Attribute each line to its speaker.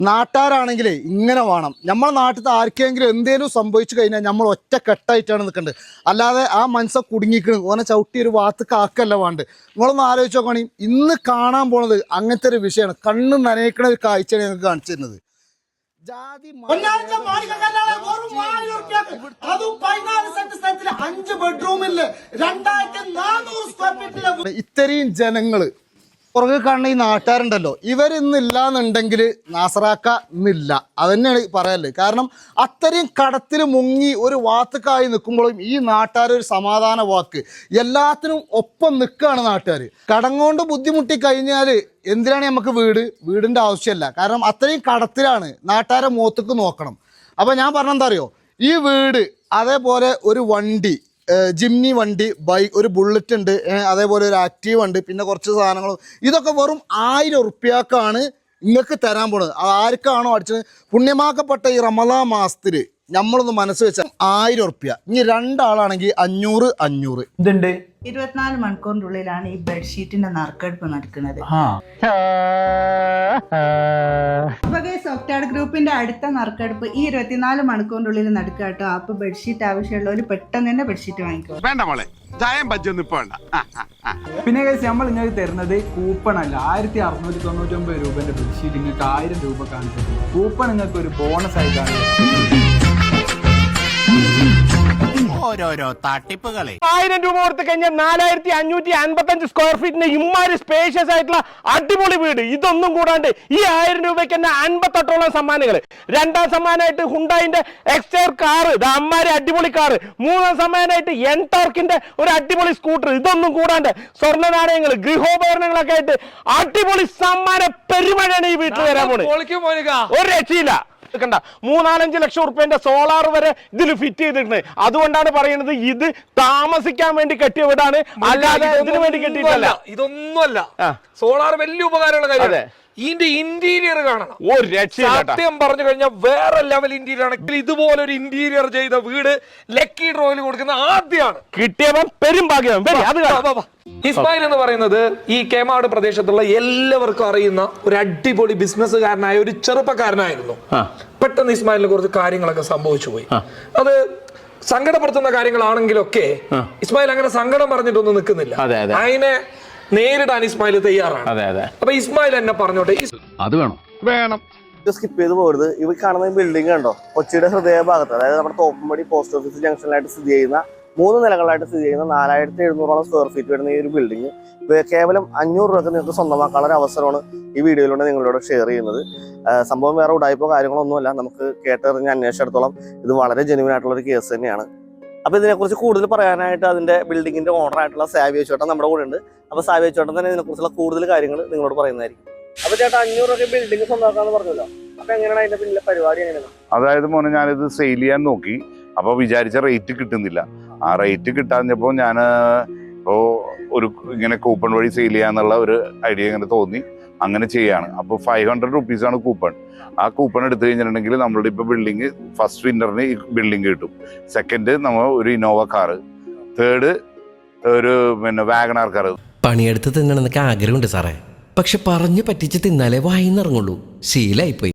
Speaker 1: നാട്ടാരാണെങ്കിലേ ഇങ്ങനെ വേണം. നമ്മളെ നാട്ടിൽ ആർക്കെങ്കിലും എന്തേലും സംഭവിച്ചു കഴിഞ്ഞാൽ നമ്മൾ ഒറ്റ കെട്ടായിട്ടാണ് നിൽക്കേണ്ടത്. അല്ലാതെ ആ മനസ്സെ കുടുങ്ങിക്കണ് ഓനെ ചവിട്ടി ഒരു വാത്ത് കാക്കല്ല വേണ്ട. നിങ്ങളൊന്ന് ആലോചിച്ച് നോക്കുകയാണെങ്കിൽ ഇന്ന് കാണാൻ പോണത് അങ്ങനത്തെ ഒരു വിഷയമാണ്. കണ്ണ് നനയിക്കണ ഒരു കാഴ്ചയാണ് ഞങ്ങൾക്ക് കാണിച്ചു തരുന്നത്. ജാതി 5 ബെഡ്റൂമില് 2400 സ്ക്വയർ ഫീറ്റില് ഇത്രയും ജനങ്ങള് പുറകെ കാണുന്ന ഈ നാട്ടുകാരുണ്ടല്ലോ, ഇവരിന്നില്ലാന്നുണ്ടെങ്കിൽ നാസറാക്ക ഇന്നില്ല. അതന്നെയാണ് പറയല്ലേ. കാരണം അത്രയും കടത്തിൽ മുങ്ങി ഒരു വാത്തുക്കായി നിൽക്കുമ്പോഴും ഈ നാട്ടുകാരൊരു സമാധാന വാക്ക്, എല്ലാത്തിനും ഒപ്പം നിൽക്കുകയാണ് നാട്ടുകാർ. കടം കൊണ്ട് ബുദ്ധിമുട്ടി കഴിഞ്ഞാൽ എന്തിനാണ് നമുക്ക് വീടിൻ്റെ ആവശ്യമല്ല. കാരണം അത്രയും കടത്തിലാണ്. നാട്ടുകാരെ മുഖത്തേക്ക് നോക്കണം. അപ്പോൾ ഞാൻ പറഞ്ഞെന്താ അറിയോ, ഈ വീട് അതേപോലെ ഒരു വണ്ടി, ജിംനി വണ്ടി, ബൈക്ക്, ഒരു ബുള്ളറ്റ് ഉണ്ട്, അതേപോലെ ഒരു ആക്റ്റീവ് ഉണ്ട്, പിന്നെ കുറച്ച് സാധനങ്ങളും. ഇതൊക്കെ വെറും 1000 ഉറുപ്പ്യക്കാണ് നിങ്ങൾക്ക് തരാൻ പോണത്. ആർക്കാണോ അടിച്ചത് പുണ്യമാക്കപ്പെട്ട ഈ റമദാൻ മാസത്തിൽ നമ്മളൊന്ന് മനസ്സ് വെച്ചാൽ 1000 ഉറുപ്പ്യ. ഇനി 2 ആളാണെങ്കിൽ 500
Speaker 2: ഇതുണ്ട്.
Speaker 3: 24 മണിക്കൂറിന്റെ ഉള്ളിലാണ് ഈ ബെഡ്ഷീറ്റിന്റെ നറുക്കെടുപ്പ് നടക്കുന്നത്. സോഫ്റ്റ്വെയർ ഗ്രൂപ്പിന്റെ അടുത്ത നറുക്കെടുപ്പ് ഈ 24 മണിക്കൂറിന്റെ ഉള്ളിൽ നടക്കുക കേട്ടോ. അപ്പൊ ബെഡ്ഷീറ്റ് ആവശ്യമുള്ളവർ പെട്ടെന്ന് തന്നെ ബെഡ്ഷീറ്റ് വാങ്ങിക്കോ.
Speaker 2: പിന്നെ നമ്മൾ നിങ്ങൾക്ക് തരുന്നത് കൂപ്പൺ അല്ല. 1699 രൂപന്റെ ബെഡ്ഷീറ്റ് നിങ്ങൾക്ക് 1000 രൂപ കാണിച്ചു. കൂപ്പൺ നിങ്ങൾക്ക് ഒരു ബോണസ് ആയിട്ടാണ്.
Speaker 4: ഓരോരോ തട്ടിപ്പുകളെ
Speaker 5: 1000 രൂപ കൊടുത്തു കഴിഞ്ഞാൽ 4555 സ്ക്വയർ ഫീറ്റിന്റെ ഇമ്മാരി സ്പേഷ്യസ് ആയിട്ടുള്ള അടിപൊളി വീട്. ഇതൊന്നും കൂടാണ്ട് ഈ 1000 രൂപയ്ക്ക് തന്നെ 58ഓളം സമ്മാനങ്ങൾ. 2ാം സമ്മാനമായിട്ട് ഹുണ്ടായിന്റെ എക്സ്റ്റർ കാറ്, അമ്മാരി അടിപൊളി കാറ്. 3ാം സമ്മാനമായിട്ട് എൻടോർക്കിന്റെ ഒരു അടിപൊളി സ്കൂട്ടർ. ഇതൊന്നും കൂടാണ്ട് സ്വർണ്ണ നാണയങ്ങൾ, ഗൃഹോപകരണങ്ങളൊക്കെ ആയിട്ട് അടിപൊളി സമ്മാന പെരുമഴയാണ് ഈ വീട്ടിൽ വരാൻ പോണത്. ഒരു രക്ഷയില്ല. 3-4 ലക്ഷം ഉറുപ്പ്യന്റെ സോളാർ വരെ ഇതിൽ ഫിറ്റ് ചെയ്തിട്ടുണ്ട്. അതുകൊണ്ടാണ് പറയുന്നത് ഇത് താമസിക്കാൻ വേണ്ടി കെട്ടിയ വീടാണ്, അല്ലാതെ ഇതിനു വേണ്ടി കെട്ടിയിട്ടല്ല.
Speaker 6: ഇതൊന്നുമല്ല. സോളാർ വലിയ ഉപകാരമുള്ള കാര്യം. ഇതിന്റെ ഇന്റീരിയർ കാണണം.
Speaker 5: ഒരു രക്ഷയില്ല.
Speaker 6: സത്യം പറഞ്ഞു കഴിഞ്ഞാൽ വേറെ ലെവൽ ഇന്റീരിയർ ആണ്. ഇതുപോലെ ഒരു ഇന്റീരിയർ ചെയ്ത വീട് ലക്കി ഡ്രോയിൽ കൊടുക്കുന്ന ആദ്യമാണ്.
Speaker 5: കിട്ടിയവൻ പെരും ഭാഗ്യം.
Speaker 6: ഇസ്മായിൽ എന്ന് പറയുന്നത് ഈ കേമാട് പ്രദേശത്തുള്ള എല്ലാവർക്കും അറിയുന്ന ഒരു അടിപൊളി ബിസിനസ്സുകാരനായ ഒരു ചെറുപ്പക്കാരനായിരുന്നു. പെട്ടെന്ന് ഇസ്മായിലിന് കുറച്ച് കാര്യങ്ങളൊക്കെ സംഭവിച്ചു പോയി. അത് സങ്കടപ്പെടുത്തുന്ന കാര്യങ്ങളാണെങ്കിലൊക്കെ ഇസ്മായിൽ അങ്ങനെ സങ്കടം പറഞ്ഞിട്ടൊന്നും നിൽക്കുന്നില്ല. അതിനെ നേരിടാൻ ഇസ്മായിൽ തയ്യാറാണ്. അപ്പൊ ഇസ്മായിൽ എന്നെ പറഞ്ഞോട്ടെ,
Speaker 4: അത് വേണം
Speaker 7: സ്കിപ്പ് ചെയ്ത് പോകരുത്. ഇവ കാണുന്ന ബിൽഡിംഗ് കണ്ടോ, കൊച്ചിയുടെ ഹൃദയഭാഗത്ത്, അതായത് നമ്മുടെ തോപ്പുംപടി പോസ്റ്റ് ഓഫീസ് ജംഗ്ഷനിലായിട്ട് സ്ഥിതി ചെയ്യുന്ന 3 നിലകളായിട്ട് സ്ഥിതി ചെയ്യുന്ന 4700ഓളം സ്ക്വയർ ഫീറ്റ് വരുന്ന ഈ ഒരു ബിൽഡിംഗ് കേവലം 500 രൂപയ്ക്ക് നിങ്ങൾക്ക് സ്വന്തമാക്കാനുള്ള ഒരു അവസരമാണ് ഈ വീഡിയോയിലൂടെ നിങ്ങളോട് ഷെയർ ചെയ്യുന്നത്. സംഭവം വേറെ ഉടായ്പോ കാര്യങ്ങളൊന്നുമല്ല. നമുക്ക് കേട്ടറിഞ്ഞ് അന്വേഷിച്ചിടത്തോളം ഇത് വളരെ ജെന്യുവൻ ആയിട്ടുള്ള ഒരു കേസ് തന്നെയാണ്. അപ്പോൾ ഇതിനെക്കുറിച്ച് കൂടുതൽ പറയാനായിട്ട് അതിന്റെ ബിൽഡിങ്ങിന്റെ ഓണർ ആയിട്ടുള്ള സാവിയ ചേട്ടൻ നമ്മുടെ കൂടെ ഉണ്ട്. അപ്പോൾ സാവിയ ചേട്ടൻ തന്നെ ഇതിനെക്കുറിച്ചുള്ള കൂടുതൽ കാര്യങ്ങൾ നിങ്ങളോട് പറയുന്നതായിരിക്കും. അപ്പോൾ ചേട്ടാ 500 രൂപയ്ക്ക് ബിൽഡിംഗ് സ്വന്തമാക്കാന്ന് പറഞ്ഞല്ലോ. അപ്പോൾ എങ്ങനെയാണ് അതിന്റെ പിന്നിലെ പരിപാടി? എങ്ങനെയാണ്?
Speaker 8: അതായത് മോനെ, ഞാനിത് സെയിൽ ചെയ്യാൻ നോക്കി. അപ്പോൾ വിചാരിച്ച റേറ്റ് കിട്ടുന്നില്ല. ആ റേറ്റ് കിട്ടാഞ്ഞപ്പോൾ ഞാൻ ഒരു ഇങ്ങനെ കൂപ്പൺ വഴി സെയിൽ ചെയ്യാന്നുള്ള ഒരു ഐഡിയ ഇങ്ങനെ തോന്നി, അങ്ങനെ ചെയ്യാണ്. അപ്പോൾ 500 റുപ്പീസാണ് കൂപ്പൺ. ആ കൂപ്പൺ എടുത്തു കഴിഞ്ഞിട്ടുണ്ടെങ്കിൽ നമ്മളുടെ ഇപ്പോൾ ബിൽഡിങ് ഫസ്റ്റ് വിന്നറിന് ഈ ബിൽഡിങ് കിട്ടും. സെക്കൻഡ് നമ്മൾ ഒരു ഇന്നോവ കാറ്, തേർഡ് ഒരു വാഗണാർ കാറ്.
Speaker 9: പണിയെടുത്ത് തിന്നണമെന്നൊക്കെ ആഗ്രഹമുണ്ട് സാറേ, പക്ഷെ പറഞ്ഞു പറ്റിച്ച് തിന്നാലേ വായിന്നിറങ്ങുള്ളൂ. ശീലായിപ്പോയി.